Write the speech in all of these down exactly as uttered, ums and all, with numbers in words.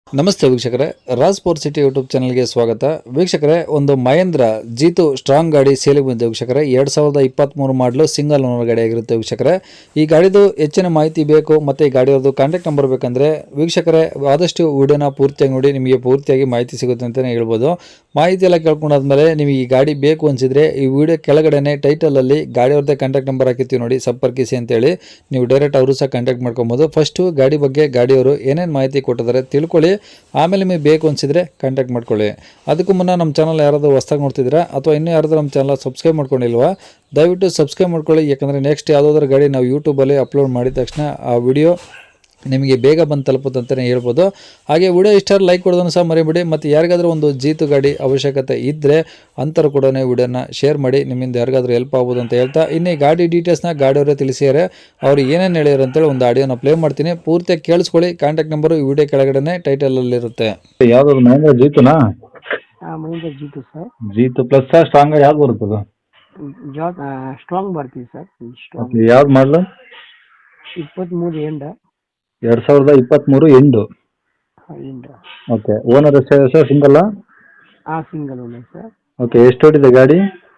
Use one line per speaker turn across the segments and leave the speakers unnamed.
ನಮಸ್ತೆ ವೀಕ್ಷಕರೇ, Raj power city YouTube ಚಾನಲ್ಗೆ ಸ್ವಾಗತ. ವೀಕ್ಷಕರೇ, ಒಂದು ಮಹೇಂದ್ರ ಜೀತು ಸ್ಟ್ರಾಂಗ್ ಗಾಡಿ ಸೇಲಿಗೆ ಬಂದಿದೆ ವೀಕ್ಷಕರೇ. ಎರಡು ಸಾವಿರದ ಇಪ್ಪತ್ತ್ಮೂರು ಮಾಡಲು ಸಿಂಗಲ್ ಓನರ್ ಗಾಡಿ ಆಗಿರುತ್ತೆ ವೀಕ್ಷಕರೇ. ಈ ಗಾಡಿದು ಹೆಚ್ಚಿನ ಮಾಹಿತಿ ಬೇಕು ಮತ್ತು ಈ ಗಾಡಿಯವ್ರದ್ದು ಕಾಂಟ್ಯಾಕ್ಟ್ ನಂಬರ್ ಬೇಕಂದರೆ ವೀಕ್ಷಕರೇ ಆದಷ್ಟು ವಿಡಿಯೋನ ಪೂರ್ತಿಯಾಗಿ ನೋಡಿ, ನಿಮಗೆ ಪೂರ್ತಿಯಾಗಿ ಮಾಹಿತಿ ಸಿಗುತ್ತೆ ಅಂತಲೇ ಹೇಳ್ಬೋದು. ಮಾಹಿತಿ ಎಲ್ಲ ಕೇಳ್ಕೊಂಡಾದ್ಮೇಲೆ ನಿಮಗೆ ಈ ಗಾಡಿ ಬೇಕು ಅನಿಸಿದರೆ ಈ ವಿಡಿಯೋ ಕೆಳಗಡೆ ಟೈಟಲಲ್ಲಿ ಗಾಡಿಯವ್ರದ್ದೇ ಕಾಂಟ್ಯಾಕ್ಟ್ ನಂಬರ್ ಹಾಕಿರ್ತೀವಿ ನೋಡಿ, ಸಂಪರ್ಕಿಸಿ ಅಂತೇಳಿ ನೀವು ಡೈರೆಕ್ಟ್ ಅವರು ಸಹ ಕಾಂಟ್ಯಾಕ್ಟ್ ಮಾಡ್ಕೊಬೋದು. ಫಸ್ಟು ಗಾಡಿ ಬಗ್ಗೆ ಗಾಡಿಯವರು ಏನೇನು ಮಾಹಿತಿ ಕೊಟ್ಟಿದ್ದಾರೆ ತಿಳ್ಕೊಳ್ಳಿ, ಆಮೇಲೆ ನಿಮಗೆ ಬೇಕು ಅನಿಸಿದರೆ ಕಾಂಟ್ಯಾಕ್ಟ್ ಮಾಡ್ಕೊಳ್ಳಿ. ಅದಕ್ಕೂ ಮುನ್ನ ನಮ್ಮ ಚಾನಲ್ ಯಾರಾದರೂ ಹೊಸ್ದಾಗಿ ನೋಡ್ತಿದ್ದೀರಾ ಅಥವಾ ಇನ್ನೂ ಯಾರಾದರೂ ನಮ್ಮ ಚಾನಲ್ ಸಬ್ಸ್ಕ್ರೈಬ್ ಮಾಡ್ಕೊಂಡಿಲ್ವಾ, ದಯವಿಟ್ಟು ಸಬ್ಸ್ಕ್ರೈಬ್ ಮಾಡ್ಕೊಳ್ಳಿ. ಯಾಕಂದರೆ ನೆಕ್ಸ್ಟ್ ಯಾವುದಾದ್ರೂ ಗಾಡಿ ನಾವು ಯೂಟ್ಯೂಬಲ್ಲಿ ಅಪ್ಲೋಡ್ ಮಾಡಿದ ತಕ್ಷಣ ಆ ವಿಡಿಯೋ ನಿಮಗೆ ಬೇಗ ಬಂದು ತಲುಪುತ್ತೆ ಅಂತಲೇ ಹೇಳ್ಬೋದು. ಹಾಗೆ ವಿಡಿಯೋ ಇಷ್ಟ ಲೈಕ್ ಕೊಡೋದನ್ನು ಸಹ ಮರಿಬೇಡಿ. ಮತ್ತು ಯಾರಿಗಾದರೂ ಒಂದು ಜೀತು ಗಾಡಿ ಅವಶ್ಯಕತೆ ಇದ್ದರೆ ಅಂಥವ್ರು ಕೂಡ ವಿಡಿಯೋನ ಶೇರ್ ಮಾಡಿ, ನಿಮ್ಮಿಂದ ಯಾರಿಗಾದ್ರೂ ಹೆಲ್ಪ್ ಆಗ್ಬೋದು ಅಂತ ಹೇಳ್ತಾ, ಇನ್ನು ಈ ಗಾಡಿ ಡೀಟೇಲ್ಸ್ನ ಗಾಡಿಯವರೇ ತಿಳಿಸಿದ್ದಾರೆ. ಅವ್ರು ಏನೇನು ಹೇಳ್ಯಾರ ಅಂತೇಳಿ ಒಂದು ಆಡಿಯೋನ ಪ್ಲೇ ಮಾಡ್ತೀನಿ, ಪೂರ್ತಿಯಾಗಿ ಕೇಳಿಸ್ಕೊಳ್ಳಿ. ಕಾಂಟ್ಯಾಕ್ಟ್ ನಂಬರು ಈ ವಿಡಿಯೋ ಕೆಳಗಡೆ ಟೈಟಲಲ್ಲಿರುತ್ತೆ.
ಯಾವ್ದು ಮಹೇಂದ್ರ ಜೀತುನಾ?
Mahindra Jeeto sir.
Jeeto plus strong ಯಾವ್ದು ಬರ್ತದೆ?
ಜಾಬ್ ಸ್ಟ್ರಾಂಗ್ ಬರ್ತೀವಿ ಸರ್. ಸ್ಟ್ರಾಂಗ್
ಯಾವ್ದು ಮಾಡಲು?
ಇಪ್ಪತ್ತ್ಮೂರು ಎಂಡ
ಎರಡ್ ಸಾವಿರದ ಇಪ್ಪತ್ತ್ಮೂರು ಎಂಡು.
End
okay. ಓನರ್ ಎಷ್ಟು ಸರ್? ಸಿಂಗಲ್?
ಆ ಸಿಂಗಲ್ ಓನರ್ ಸರ್.
ಓಕೆ. ಎಷ್ಟು ಹೊಡಿದೆ ಗಾಡಿ?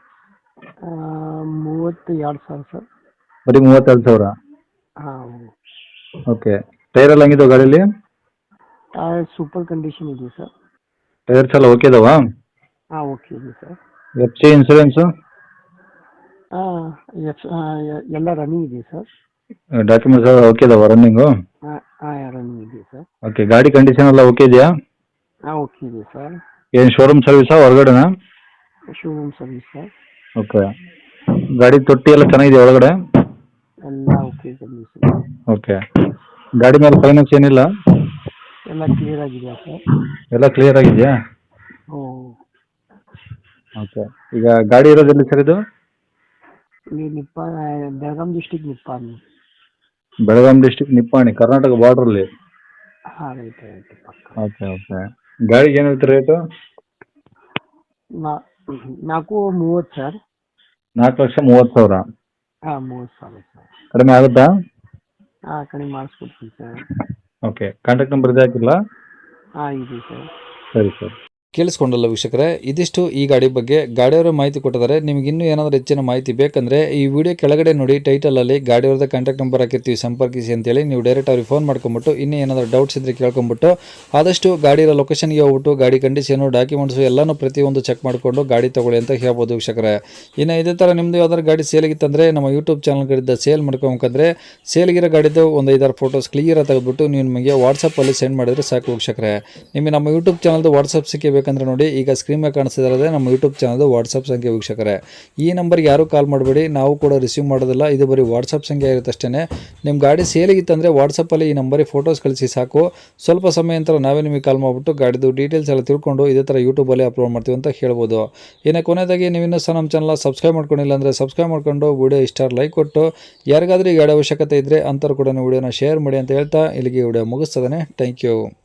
ಮೂವತ್ತು ಎರಡು ಸಾವಿರ ಸರ್.
ಬರೀ ಮೂವತ್ತೆರಡು ಸಾವಿರ?
ಹಾಂ.
ಓಕೆ. ಟೈರ್ ಎಲ್ಲ ಹಂಗಿದಾವ ಗಾಡೀಲಿ?
ಟೈರ್ ಸೂಪರ್ ಕಂಡೀಷನ್ ಇದೆ ಸರ್.
ಟೈರ್ಸ್ ಎಲ್ಲ ಓಕೆ ಇದಾವಾ?
ಹಾಂ, ಓಕೆ ಇದೆ ಸರ್.
ಎಫ್ ಸಿ ಇನ್ಸೂರೆನ್ಸು
ಹಾಂ, ಎಫ್ ಎಲ್ಲ ರನ್ನಿಂಗ್ ಇದೆ ಸರ್.
ಡಾಕ್ಯುಮೆಂಟ್ಸ್ ಎಲ್ಲ ಓಕೆ ಇದಾವ ರನ್ನಿಂಗು?
ಹಾಂ ಹಾಂ, ರನ್ನಿಂಗ್ ಇದೆ ಸರ್.
ಓಕೆ. ಗಾಡಿ ಕಂಡೀಷನ್ ಎಲ್ಲ ಓಕೆ ಇದೆಯಾ?
ಹಾಂ, ಓಕೆ ಇದೆ ಸರ್.
ಏನು ಶೋರೂಮ್ ಸರ್ವಿಸಾ ಹೊರಗಡೆನಾ?
Showroom service sir.
ಓಕೆ. ಗಾಡಿ ತೊಟ್ಟಿ ಎಲ್ಲ ಚೆನ್ನಾಗಿದೆ ಒಳಗಡೆ?
ಎಲ್ಲ ಓಕೆ ಕಂಡೀಷನ್.
ಓಕೆ. ಗಾಡಿ ಮೇಲೆ ಫೈನಾನ್ಸ್ ಏನಿಲ್ಲ?
ಎಲ್ಲ ಕ್ಲಿಯರ್ ಆಗಿದೆಯಾ ಸರ್?
ಎಲ್ಲ ಕ್ಲಿಯರ್ ಆಗಿದೆಯಾ?
ಹ್ಞೂ.
ಓಕೆ. ಈಗ ಗಾಡಿ ಇರೋದೆಲ್ಲಿ ಸರ್ ಇದು?
ಇಲ್ಲಿ ನಿಪ್ಪ ಬೆಳಗಾಂ ಡಿಸ್ಟಿಕ್ ನಿಪ್ಪಾಣಿ.
ಬೆಳಗಾಂ ಡಿಸ್ಟಿಕ್ ನಿಪ್ಪಾಣಿ, ಕರ್ನಾಟಕ ಬಾರ್ಡ್ರಲ್ಲಿ?
ಹಾಂ, ರೈಟ್ ರೈಟ್ ಪಕ್ಕ.
Okay okay. ಗಾಡಿಗೆ ಏನು ಹೇಳ್ತೀರಿ ರೇಟು?
ನಾ- ನಾಲ್ಕು ಮೂವತ್ತು ಸರ್.
ನಾಲ್ಕು ಲಕ್ಷ ಮೂವತ್ತು ಸಾವಿರ?
ಹಾಂ, ಮೂವತ್ತು ಸಾವಿರ ಸರ್.
ಕಡಿಮೆ ಆಗುತ್ತಾ?
ಹಾಂ, ಕಡಿಮೆ ಮಾಡಿಸ್ಕೊಡ್ತೀನಿ ಸರ್.
ಓಕೆ. ಕಾಂಟ್ಯಾಕ್ಟ್ ನಂಬರ್ ಇದೆ ಹಾಕಿಲ್ಲ?
ಹಾಂ, ಇದೆ ಸರ್.
ಸರಿ ಸರ್.
ಕೇಳಿಸ್ಕೊಂಡಲ್ಲ ವೀಕ್ಷಕರೇ, ಇದಿಷ್ಟು ಈ ಗಾಡಿ ಬಗ್ಗೆ ಗಾಡಿಯವರ ಮಾಹಿತಿ ಕೊಟ್ಟಿದ್ದಾರೆ. ನಿಮಗೆ ಇನ್ನೂ ಏನಾದರೂ ಹೆಚ್ಚಿನ ಮಾಹಿತಿ ಬೇಕಂದರೆ ಈ ವಿಡಿಯೋ ಕೆಳಗಡೆ ನೋಡಿ, ಟೈಟಲಲ್ಲಿ ಗಾಡಿಯವ್ರದ್ದು ಕಾಂಟ್ಯಾಕ್ಟ್ ನಂಬರ್ ಹಾಕಿರ್ತೀವಿ, ಸಂಪರ್ಕಿಸಿ ಅಂತೇಳಿ ನೀವು ಡೈರೆಕ್ಟ್ ಅವ್ರಿಗೆ ಫೋನ್ ಮಾಡ್ಕೊಂಬಿಟ್ಟು ಇನ್ನೂ ಏನಾದರೂ ಡೌಟ್ಸ್ ಇದ್ದರೆ ಕೇಳ್ಕೊಂಬಿಟ್ಟು ಆದಷ್ಟು ಗಾಡಿ ಇರೋ ಲೊಕೇಶನ್ಗೆ ಹೋಗ್ಬಿಟ್ಟು ಗಾಡಿ ಕಂಡೀಷನು, ಡಾಕ್ಯುಮೆಂಟ್ಸು ಎಲ್ಲನೂ ಪ್ರತಿಯೊಂದು ಚೆಕ್ ಮಾಡಿಕೊಂಡು ಗಾಡಿ ತೊಗೊಳ್ಳಿ ಅಂತ ಹೇಳ್ಬೋದು ವೀಕ್ಷಕರೇ. ಇನ್ನು ಇದೇ ಥರ ನಿಮ್ಮದು ಯಾವ್ದಾದ್ರು ಗಾಡಿ ಸೇಲಿಗಿತ್ತಂದರೆ ನಮ್ಮ ಯೂಟ್ಯೂಬ್ ಚಾನಲ್ಗಳಿಂದ ಸೇಲ್ ಮಾಡ್ಕೊಬೇಕಂದ್ರೆ ಸೇಲ್ಗಿರೋ ಗಾಡಿದು ಒಂದು ಐದಾರು ಫೋಟೋಸ್ ಕ್ಲಿಯರಾಗಿ ತೆಗೆದುಬಿಟ್ಟು ನೀವು ನಿಮಗೆ ವಾಟ್ಸಪ್ಪಲ್ಲಿ ಸೆಂಡ್ ಮಾಡಿದರೆ ಸಾಕು ವೀಕ್ಷಕರೇ. ನಿಮಗೆ ನಮ್ಮ ಯೂಟ್ಯೂಬ್ ಚಾನಲ್ದು ವಾಟ್ಸಪ್ ಸಿಕ್ಕಬೇಕು ಬೇಕಂದ್ರೆ ನೋಡಿ, ಈಗ ಸ್ಕ್ರೀನ್ ಮೇಲೆ ಕಾಣಿಸ್ತಿರೋದೇ ನಮ್ಮ ಯೂಟ್ಯೂಬ್ ಚಾನಲ್ದು ವಾಟ್ಸಪ್ ಸಂಖ್ಯೆ ವೀಕ್ಷಕರೇ. ಈ ನಂಬರ್ಗೆ ಯಾರೂ ಕಾಲ್ ಮಾಡಬೇಡಿ, ನಾವು ಕೂಡ ರಿಸೀವ್ ಮಾಡೋದಿಲ್ಲ, ಇದು ಬರೀ ವಾಟ್ಸಪ್ ಸಂಖ್ಯೆ ಇರುತ್ತೆ ಅಷ್ಟೇ. ನಿಮ್ಮ ಗಾಡಿ ಸೇಲಿಗಿತ್ತಂದರೆ ವಾಟ್ಸಪ್ಪಲ್ಲಿ ಈ ನಂಬರಿಗೆ ಫೋಟೋಸ್ ಕಳಿಸಿ ಸಾಕು. ಸ್ವಲ್ಪ ಸಮಯ ನಂತರ ನಾವೇ ನಿಮಗೆ ಕಾಲ್ ಮಾಡಿಬಿಟ್ಟು ಗಾಡಿದು ಡೀಟೇಲ್ಸ್ ಎಲ್ಲ ತಿಳ್ಕೊಂಡು ಇದೇ ಥರ ಯೂಟ್ಯೂಬಲ್ಲಿ ಅಪ್ಲೋಡ್ ಮಾಡ್ತೀವಿ ಅಂತ ಹೇಳ್ಬೋದು. ಇನ್ನು ಕೊನೆಯದಾಗಿ ನೀವು ಇನ್ನೂ ಸಹ ನಮ್ಮ ಚಾನಲ್ ಸಬ್ಸ್ಕ್ರೈಬ್ ಮಾಡ್ಕೊಂಡಿಲ್ಲ ಅಂದರೆ ಸಬ್ಸ್ಕ್ರೈಬ್ ಮಾಡ್ಕೊಂಡು ವಿಡಿಯೋ ಇಷ್ಟ ಲೈಕ್ ಕೊಟ್ಟು ಯಾರಿಗಾದ್ರೂ ಈ ಗಾಡಿ ಅವಶ್ಯಕತೆ ಇದ್ದರೆ ಅಂಥವ್ರು ಕೂಡ ವಿಡಿಯೋನ ಶೇರ್ ಮಾಡಿ ಅಂತ ಹೇಳ್ತಾ ಇಲ್ಲಿಗೆ ವಿಡಿಯೋ ಮುಗಿಸ್ತದೆ. Thank you.